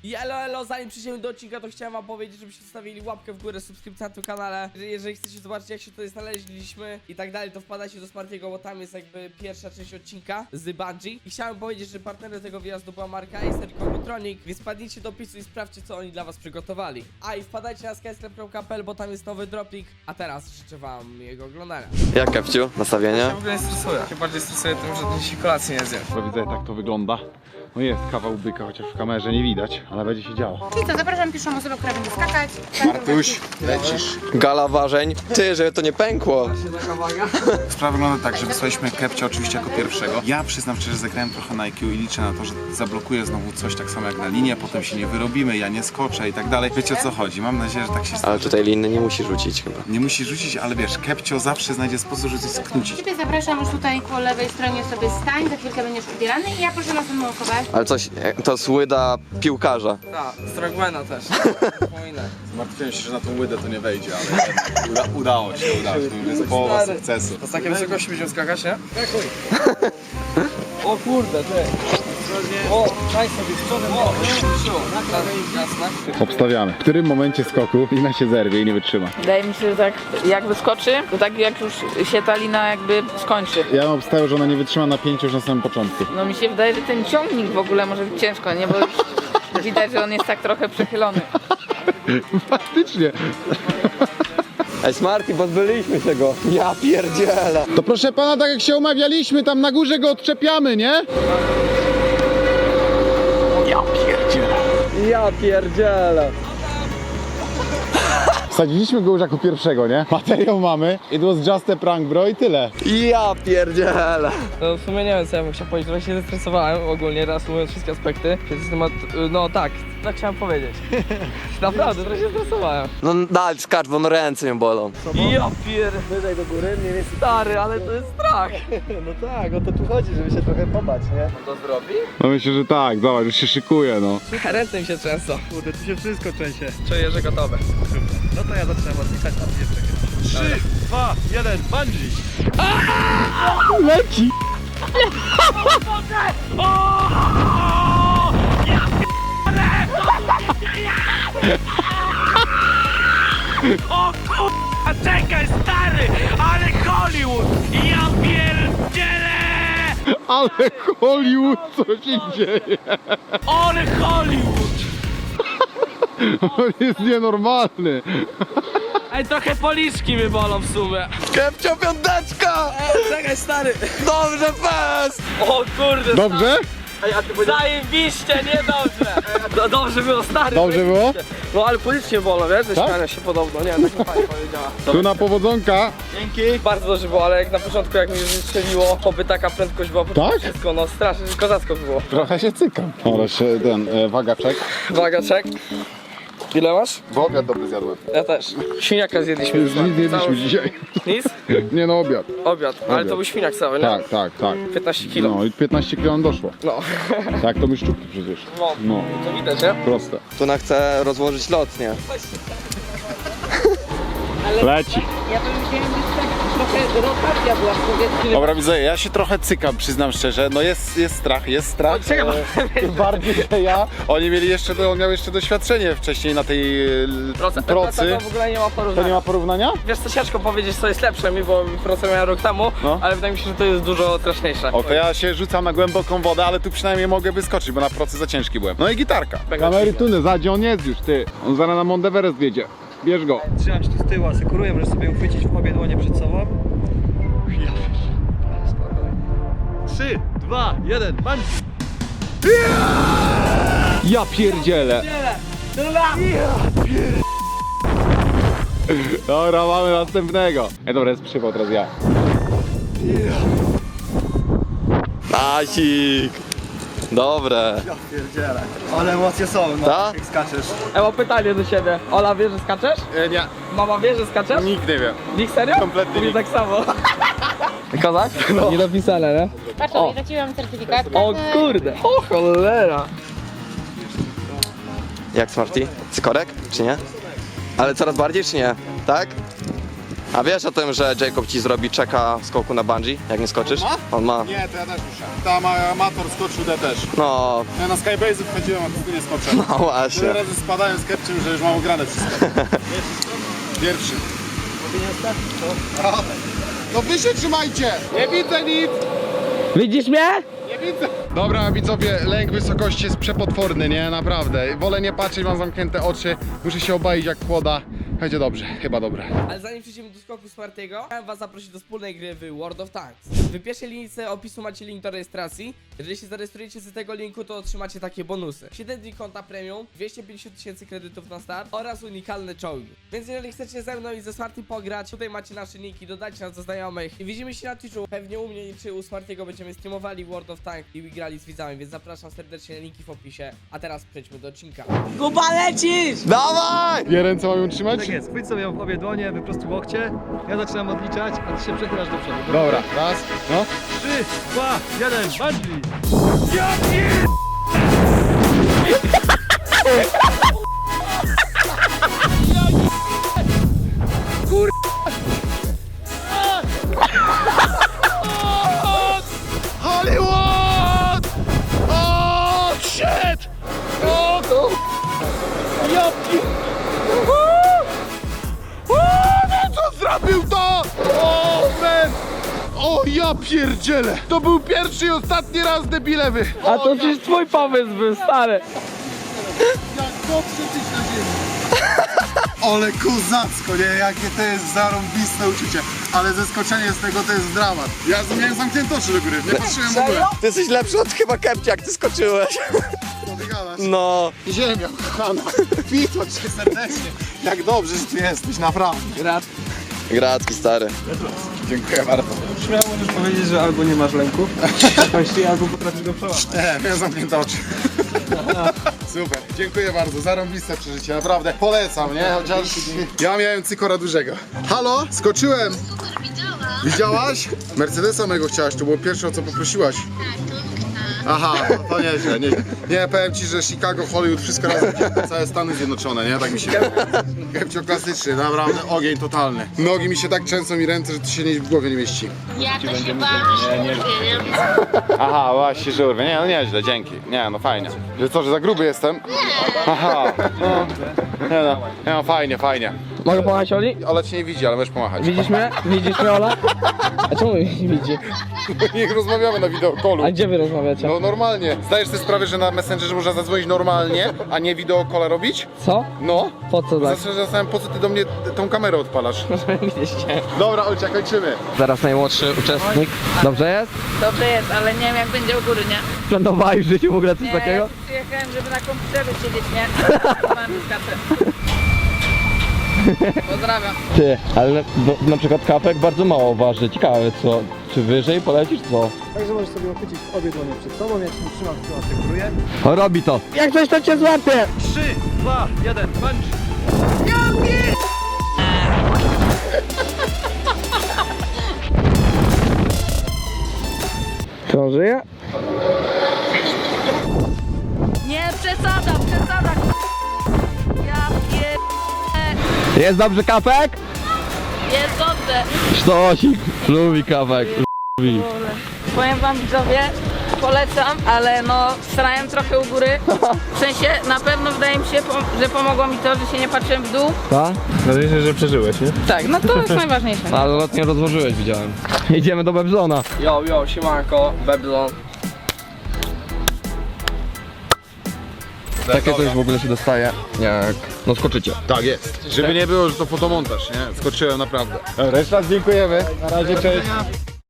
I elo, zanim przejdziemy do odcinka, to chciałem wam powiedzieć, żebyście zostawili łapkę w górę, subskrypcję na tym kanale. Jeżeli chcecie zobaczyć, jak się tutaj znaleźliśmy i tak dalej, to wpadajcie do Smartiego, bo tam jest jakby pierwsza część odcinka z Bungie. I chciałem powiedzieć, że partnerem tego wyjazdu była marka Acer Computronic, więc wpadnijcie do opisu i sprawdźcie, co oni dla was przygotowali. A i wpadajcie na skyscrap.pl, bo tam jest nowy dropik. A teraz życzę wam jego oglądania. Jak, Kepciu, nastawienie? Ja w ogóle nie stresuję. Się bardziej stresuję tym, że dzisiaj kolacji nie zjem. Widzę, jak to wygląda. No jest kawał byka, chociaż w kamerze nie widać, ale będzie się działo. Czyli co, zapraszam pierwszą osobę, która będzie skakać. Martuś, lecisz. Gala ważeń. Ty, żeby to nie pękło. Sprawa wygląda tak, że wysłaliśmy Kepcia oczywiście jako pierwszego. Ja przyznam szczerze, zagrałem trochę na IQ i liczę na to, że zablokuje znowu coś tak samo jak na linię, potem się nie wyrobimy, ja nie skoczę i tak dalej. Wiecie o co chodzi, mam nadzieję, że tak się stanie. Ale tutaj liny nie musi rzucić chyba. Nie musi rzucić, ale wiesz, Kepcio zawsze znajdzie sposób, żeby coś sknucić. Ciebie zapraszam już tutaj po lewej stronie sobie stań, za chwilkę będziesz ubierany i ja proszę następną osobę. Ale coś, to słyda piłkarza. Tak, Strongmana też. Wspominaj. Martwiłem się, że na tą łydę to nie wejdzie, ale udało się, to już jest połowa sukcesu. To z takiej wysokości będziemy skakać, nie? O kurde, ty. O, daj sobie w przodem. O, jasne. Obstawiamy. W którym momencie skoku lina się zerwie i nie wytrzyma? Wydaje mi się, że tak jak wyskoczy, to tak jak już się ta lina jakby skończy. Ja bym obstawiał, że ona nie wytrzyma napięcia już na samym początku. No mi się wydaje, że ten ciągnik w ogóle może być ciężko, nie? Bo już widać, że on jest tak trochę przechylony. Faktycznie. Ej, Smarty, pozbyliśmy się go. Ja pierdzielę. To proszę pana, tak jak się umawialiśmy, tam na górze go odczepiamy, nie? Ja pierdzielę. Wsadziliśmy go już jako pierwszego, nie? Materiał mamy. It was just a prank, bro, i tyle. Ja pierdzielę. No w sumie nie wiem, co ja bym chciał powiedzieć, trochę się zestresowałem ogólnie, reasumując wszystkie aspekty. Więc temat, no tak chciałem powiedzieć. Naprawdę, trochę się stresowałem. No daj, skacz, bo no ręce mnie bolą. Ja wyżej do góry, nie jest stary, ale to jest strach. No tak, o to tu chodzi, żeby się trochę pobać, nie? To zrobi? No myślę, że tak, zobacz, już się szykuje, no. Ręce mi się trzęsą. Kurde, tu się wszystko trzęsie. Czuję, że gotowe. No to ja zaczynam odliczać, a ty nie czekaj. 3, 2, 1, bungee! Leci! A czekaj, stary, ale Hollywood! Ja pierdzielę! Ale Hollywood, co się dzieje? Ale Hollywood! On jest nienormalny. Ej, trochę policzki mnie bolą w sumie. Kepcio, piąteczka! Czekaj, stary. Dobrze, fest! O kurde, Dobrze? zajebiście, niedobrze. No, dobrze było, stary. Dobrze było? No ale policznie bolą, wiesz? Ze Tak? śmiania się podobno, nie wiem, tak mi pani powiedziała. Tu na powodzonka. Bardzo dobrze było, ale jak na początku jak mi już strzeliło, oby taka prędkość była po Tak? wszystko, no strasznie, kozacko było. Trochę się cykam. Dobra, ten wagaczek. Uwaga, czek. Ile masz? Bo obiad dobry zjadłem. Ja też. Świniaka zjedliśmy. Nic nie jedliśmy dzisiaj. Nic? Nie no, obiad. Obiad. Ale to był świniak cały, nie? Tak, tak, tak. 15 kilo. No i 15 kg doszło. No. Tak, to my szczupki przecież. No, To widać, nie? proste. Tuna chce rozłożyć lot, nie? Leci. Ja bym wziąłem tak trochę rotacja była w powietrzu. Dobra, widzę, ja się trochę cykam, przyznam szczerze. No jest strach, jest strach. Tym bardziej, że ja. On miał jeszcze doświadczenie wcześniej na tej procy. To w ogóle nie ma To porównania. nie ma porównania? Wiesz co, ciężko powiedzieć co jest lepsze mi, bo procę miałem rok temu, No. ale wydaje mi się, że to jest dużo straszniejsze. O, to ja się rzucam na głęboką wodę, ale tu przynajmniej mogę wyskoczyć, bo na procy za ciężki byłem. No i gitarka. Kamery tuny, gdzie on jest już, ty. On zaraz na Mount Everest wiedzie. Bierz go. Trzymam się tu z tyłu, asekuruję, możesz sobie uchwycić w obie dłonie przed sobą. Ja spokojnie. 3, 2, 1, bungee! Ja pierdzielę. Dobra, mamy następnego. Dobra, jest przypał teraz ja. Nasik. Dobre. Ja pierdzielę. Ale emocje są, no, Tak? jak skaczesz. Mam pytanie do siebie. Ola wie, że skaczesz? Nie, Mama wie, że skaczesz? nikt nie wie. Nikt serio? Kompletnie Mówi nikt. tak samo. Kozak? No. Nie dopisane, nie? Patrz, o, wrzuciłam certyfikat. O kurde. O cholera. Jak, Smarty? Cykorek, czy nie? Ale coraz bardziej, czy nie? Tak? A wiesz o tym, że Jacob ci zrobi czeka skoku na bungee, jak nie skoczysz? On ma. Nie, to ja też muszę. Tam amator skoczył, ja też. No, Ja na Skybase'u wchodziłem, a tu nie skoczę. no właśnie. Tyle razy spadałem z kepczym, że już mam ograne wszystko. Pierwszy. No wy się trzymajcie! Nie widzę nic! Widzisz mnie? Nie widzę! Dobra, widzowie, lęk wysokości jest przepotworny, nie? Naprawdę. Wolę nie patrzeć, mam zamknięte oczy. Muszę się obalić jak kłoda. Będzie dobrze, chyba dobre. Ale zanim przejdziemy do skoku Smartiego, chciałem was zaprosić do wspólnej gry w World of Tanks. W pierwszej linijce opisu macie link do rejestracji. Jeżeli się zarejestrujecie z tego linku, to otrzymacie takie bonusy: 7 dni konta premium, 250 000 kredytów na start oraz unikalne czołgi. Więc jeżeli chcecie ze mną i ze Smartym pograć, tutaj macie nasze linki, dodajcie nas do znajomych i widzimy się na Twitchu. Pewnie u mnie czy u Smartiego będziemy streamowali World of Tanks i grali z widzami, więc zapraszam serdecznie, linki w opisie. A teraz przejdźmy do odcinka. Kuba, lecisz! Dawaj! Dwie ręce mam ją trzymać? Tak jest, chwyć sobie w obie dłonie, wyprostuj łokcie. Ja zaczynam odliczać, a ty się przechylasz do przodu. Dobra, raz, no. 3, 2, 1, bungee! Hollywood! O, shit! O, to... Jopki! Co zrobił to? O, man! O, ja pierdzielę! To był pierwszy i ostatni raz, debile wy! A to przecież twój pomysł był, stary. Jak dobrze tyś na ziemi! Ale kozacko, nie? Jakie to jest zarąbiste uczucie. Ale zeskoczenie z tego to jest dramat. Ja miałem zamknięte oczy do góry, nie patrzyłem w ogóle. Ty jesteś lepszy od chyba Kepcia, jak ty skoczyłeś. Co ty gadasz? No. Ziemia, kochana. Witam cię serdecznie. Jak dobrze, że tu jesteś, naprawdę. Gratki, stary. Dziękuję bardzo. Śmiało możesz powiedzieć, że albo nie masz lęku, albo potrafisz go przełamać. Nie, miałem zamknięte oczy. Super, dziękuję bardzo, zarąbiste przeżycie, naprawdę polecam, nie? Chociaż ja miałem cykora dużego. Halo, skoczyłem. Widziałaś? Mercedesa mego chciałaś, to było pierwsze, o co poprosiłaś. Aha, to nieźle, nieźle. Nie, powiem ci, że Chicago, Hollywood, wszystko razem, całe Stany Zjednoczone, nie? Tak mi się... Kepcio klasyczny, naprawdę ogień totalny. Nogi mi się tak trzęsą i ręce, że to się w głowie nie mieści. Ja to się bałam, że nie. Aha, właśnie, że urwę. Nie, no nieźle, dzięki. Nie, no fajnie. Że co, że za gruby jestem? Aha, no. Nie no, nie no, fajnie, fajnie. Mogę pomachać Oli? Ola cię nie widzi, ale możesz pomachać. Widzisz mnie? Widzisz mnie, Ola? A czemu mnie nie widzi? Niech rozmawiamy na wideokolu. A gdzie wy rozmawiacie? No normalnie. Zdajesz sobie sprawę, że na Messengerze można zadzwonić normalnie, a nie wideokola robić? Co? No. Po co tak? Zastanawiam, po co ty do mnie tą kamerę odpalasz. Widzieliście. Dobra, Olcia, kończymy. Zaraz najmłodszy uczestnik. Dobrze jest? Dobrze jest, ale nie wiem jak będzie u góry, nie? Planowałeś w życiu w ogóle coś Nie, takiego? ja przyjechałem, żeby na komputerze siedzieć, nie? Mam kartę. Pozdrawiam. Ty, ale na przykład kapek bardzo mało waży. Ciekawe co, czy wyżej polecisz co? Także możesz sobie uchwycić obie dłonie przed sobą, ja ci trzymam, asekuruję. Robi to. Jak coś to cię złapie! 3, 2, 1, bungee! Czy on żyje? Nie, przesada! Ja pier... Jest dobrze kapek? Jest dobrze. Sztosik, lubi kapek. Lubi. Powiem wam widzowie, polecam, ale no starałem trochę u góry. W sensie na pewno wydaje mi się, że pomogło mi to, że się nie patrzyłem w dół. Tak? Nadzieję, że przeżyłeś, nie? Tak, no to jest najważniejsze. Ale lot nie rozłożyłeś, widziałem. Idziemy do Bebzona. Yo, siemanko, Babylon. Takie coś w ogóle się dostaje, jak no skoczycie. Tak jest. Żeby nie było, że to fotomontaż, nie? Skoczyłem naprawdę. Dobra, jeszcze raz dziękujemy. Na razie, cześć.